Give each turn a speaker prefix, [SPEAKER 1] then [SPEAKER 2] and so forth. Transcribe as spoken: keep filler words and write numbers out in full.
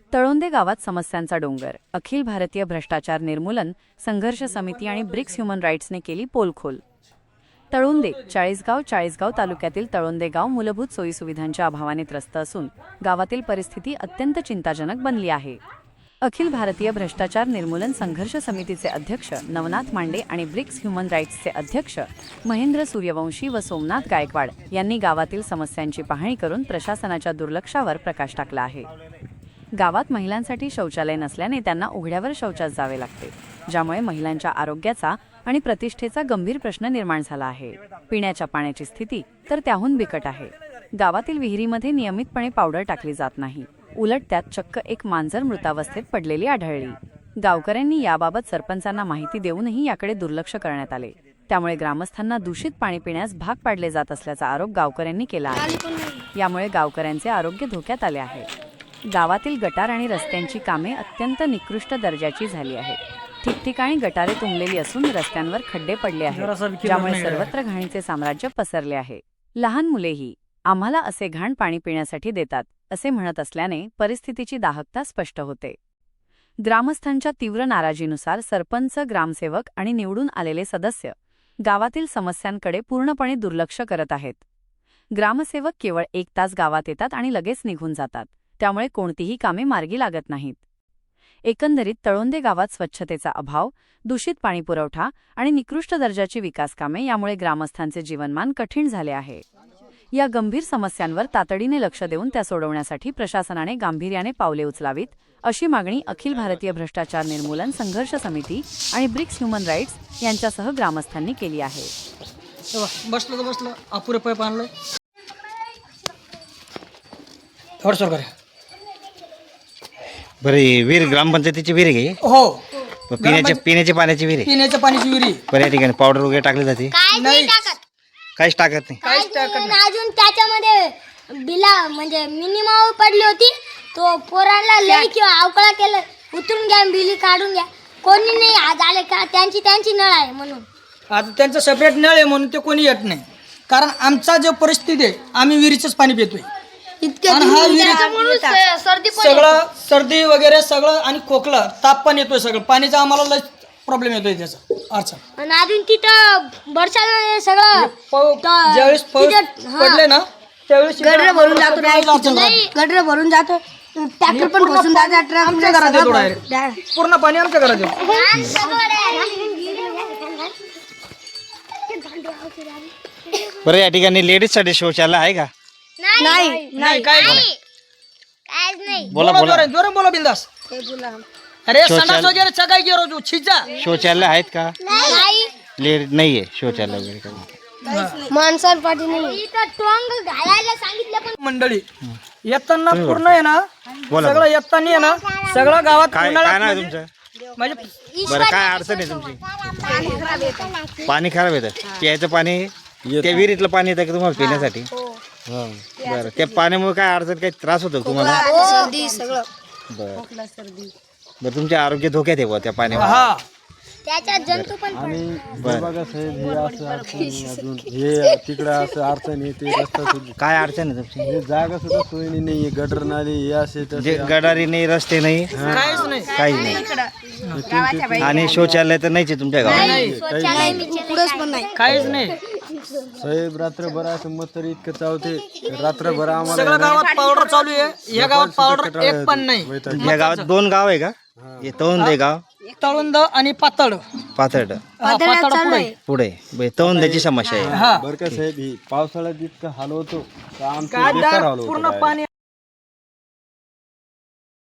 [SPEAKER 1] तळोंदे गावात समस्यांचा डोंगर. अखिल भारतीय भ्रष्टाचार निर्मूलन संघर्ष समिती आणि ब्रिक्स ह्युमन राईट्सने केली पोलखोल. तळोंदे चाळीसगाव चाळीसगाव तालुक्यातील तळोंदे गाव मूलभूत सोयीसुविधांच्या अभावाने त्रस्त असून गावातील परिस्थिती अत्यंत चिंताजनक बनली आहे. अखिल भारतीय भ्रष्टाचार निर्मूलन संघर्ष समितीचे अध्यक्ष नवनाथ मांडे आणि ब्रिक्स ह्युमन राईट्सचे अध्यक्ष महेंद्र सूर्यवंशी व सोमनाथ गायकवाड यांनी गावातील समस्यांची पाहणी करून प्रशासनाच्या दुर्लक्षावर प्रकाश टाकला आहे. गावात महिलांसाठी शौचालय नसल्याने त्यांना उघड्यावर शौचास जावे लागते, ज्यामुळे महिलांच्या आरोग्याचा आणि प्रतिष्ठेचा गंभीर प्रश्न निर्माण झाला आहे. पिण्याच्या पाण्याची स्थिती तर त्याहून बिकट आहे. गावातील विहिरीमध्ये नियमितपणे पावडर टाकली जात नाही, उलट त्यात चक्क एक मांजर मृतावस्थेत पडलेली आढळली. गावकऱ्यांनी याबाबत सरपंचांना माहिती देऊनही याकडे दुर्लक्ष करण्यात आले. त्यामुळे ग्रामस्थांना दूषित पाणी पिण्यास भाग पाडले जात असल्याचा आरोप गावकऱ्यांनी केला आहे. यामुळे गावकऱ्यांचे आरोग्य धोक्यात आले आहे. गावातील गटार आणि रस्त्यांची कामे अत्यंत निकृष्ट दर्जाची झाली आहेत. ठिकठिकाणी गटारे तुंबलेली असून रस्त्यांवर खड्डे पडले आहेत, ज्यामुळे सर्वत्र घाणीचे साम्राज्य पसरले आहे. लहान मुलेही आम्हाला असे घाण पाणी पिण्यासाठी देतात असे म्हणत असल्याने परिस्थितीची दाहकता स्पष्ट होते. ग्रामस्थांच्या तीव्र नाराजीनुसार सरपंच, ग्रामसेवक आणि निवडून आलेले सदस्य गावातील समस्यांकडे पूर्णपणे दुर्लक्ष करत आहेत. ग्रामसेवक केवळ एक तास गावात येतात आणि लगेच निघून जातात, त्यामुळे कोणतीही कामे मार्गी लागत नाहीत. एकंदरीत तळोंदे गावात स्वच्छतेचा अभाव, दूषित पाणीपुरवठा आणि निकृष्ट दर्जाची विकासकामे यामुळे ग्रामस्थांचे जीवनमान कठीण झाले आहे. या गंभीर समस्यांवर तातडीने लक्ष देऊन त्या सोडवण्यासाठी प्रशासनाने गांभीर्याने पावले उचलावीत, अशी मागणी अखिल भारतीय भ्रष्टाचार निर्मूलन संघर्ष समिती आणि ब्रिक्स ह्युमन राईट्स यांच्यासह ग्रामस्थांनी केली आहे.
[SPEAKER 2] बसलं तर बसलं अपुरे पाईप आणलं थोडं करे
[SPEAKER 3] बरे. विहीर ग्रामपंचायतीची विहीर आहे का?
[SPEAKER 2] हो,
[SPEAKER 3] पिण्याच्या पिण्याच्या पाण्याची विहीर आहे.
[SPEAKER 2] पिण्याच्या पाण्याची विहिरी
[SPEAKER 3] बऱ्या ठिकाणी पावडर वगैरे टाकली जाते,
[SPEAKER 2] नाही
[SPEAKER 3] काहीच टाकत नाही.
[SPEAKER 2] काहीच टाकत नाही.
[SPEAKER 4] अजून त्याच्यामध्ये बिला म्हणजे मिनिमम पडली होती, तो पोरांना लई किंवा अवकळा केलं, उतरून घ्या बिली काढून घ्या. कोणी नाही आज आले का, त्यांची त्यांची नळ आहे म्हणून.
[SPEAKER 2] आता त्यांचं सेपरेट नळ आहे म्हणून ते कोणी येत नाही, कारण आमचा जो परिस्थिती आहे आम्ही विहिरीचंच पाणी पितोय. आणि हा विहिरीचा
[SPEAKER 4] सर्दी
[SPEAKER 2] सगळं सर्दी वगैरे सगळं आणि खोकला ताप पण येतोय, सगळं पाणीचा आम्हाला लय प्रॉब्लेम येतोय त्याचा अडचण.
[SPEAKER 4] आणि अजून तिथं बरसात सगळं
[SPEAKER 2] पाऊ- ज्यावेळेस पाऊस पडले ना त्यावेळेस
[SPEAKER 4] गडर भरून जातो, गडर भरून जातो, ट्रॅक्टर पण बसून जातो.
[SPEAKER 2] आमच्या घरात येतो डायरेक्ट, पूर्ण पाणी आमच्या घरात येतो.
[SPEAKER 3] बरं, या ठिकाणी लेडीज साठी शौचालय आहे का?
[SPEAKER 4] नाही
[SPEAKER 2] नाही काय
[SPEAKER 3] बोला बोला.
[SPEAKER 2] जोर बोला बिंदास. अरे संडास वगैरे सगळं गेलो तू छिजा.
[SPEAKER 3] शौचालय आहेत का?
[SPEAKER 4] नाही
[SPEAKER 3] लेडीज नाहीये शौचालय वगैरे काही?
[SPEAKER 4] माणसाला पाठी नाही. इथं टोंग घालायला सांगितलं पण
[SPEAKER 2] मंडळी येताना पूर्ण आहे ना,
[SPEAKER 3] बोला.
[SPEAKER 2] सगळं येताना आहे ना, सगळं गावात
[SPEAKER 3] काय काय नाव आहे तुमचं?
[SPEAKER 2] म्हणजे
[SPEAKER 3] बरं, काय अडचण आहे तुमची? पाणी खराब येतं. प्यायचं पाणी त्या विहिरीतलं पाणी येतं का तुम्हाला पिण्यासाठी? बरं, त्या पाण्यामुळे काय अडचण, काही त्रास होतो तुम्हाला?
[SPEAKER 4] सर्दी सगळं
[SPEAKER 3] बरं बरं, तुमचे आरोग्य धोक्यात आहे बुवा त्या पाण्यामुळे.
[SPEAKER 2] हा
[SPEAKER 4] त्याच्यात जंतू पण
[SPEAKER 5] बघा साहेब, हे असं अडचण आहे, अजून हे तिकडं असं अडचण आहे, ते रस्ता सुद्धा
[SPEAKER 3] काय अडचण आहे तुमची?
[SPEAKER 5] हे जागा सुद्धा सोयी नाही, गटर नाली हे असे
[SPEAKER 3] म्हणजे गडारी नाही, रस्ते नाही,
[SPEAKER 2] काहीच नाही.
[SPEAKER 3] काही नाही. आणि शौचालय तर नाहीच आहे तुमच्या गावात?
[SPEAKER 2] काहीच नाही.
[SPEAKER 5] साहेब रात्रभर असं मग तरी इतकं चावते, रात्रभर आम्हाला
[SPEAKER 2] सगळ्या गावात पावडर चालू आहे, या गावात पावडर एक पण नाही.
[SPEAKER 3] या गावात दोन गाव आहे का? हे तळोंदे गाव,
[SPEAKER 2] तळुंद आणि पातळ
[SPEAKER 3] पाथर्ड
[SPEAKER 2] हा, पातळ पुढे.
[SPEAKER 3] पुढे तळोंद्याची समस्या आहे.
[SPEAKER 2] हा
[SPEAKER 5] बरं का साहेब, ही पावसाळ्यात इतकं हाल होतो का आमचं
[SPEAKER 2] काय
[SPEAKER 5] बेकार हाल
[SPEAKER 2] पूर्ण
[SPEAKER 5] होतो.
[SPEAKER 2] पाणी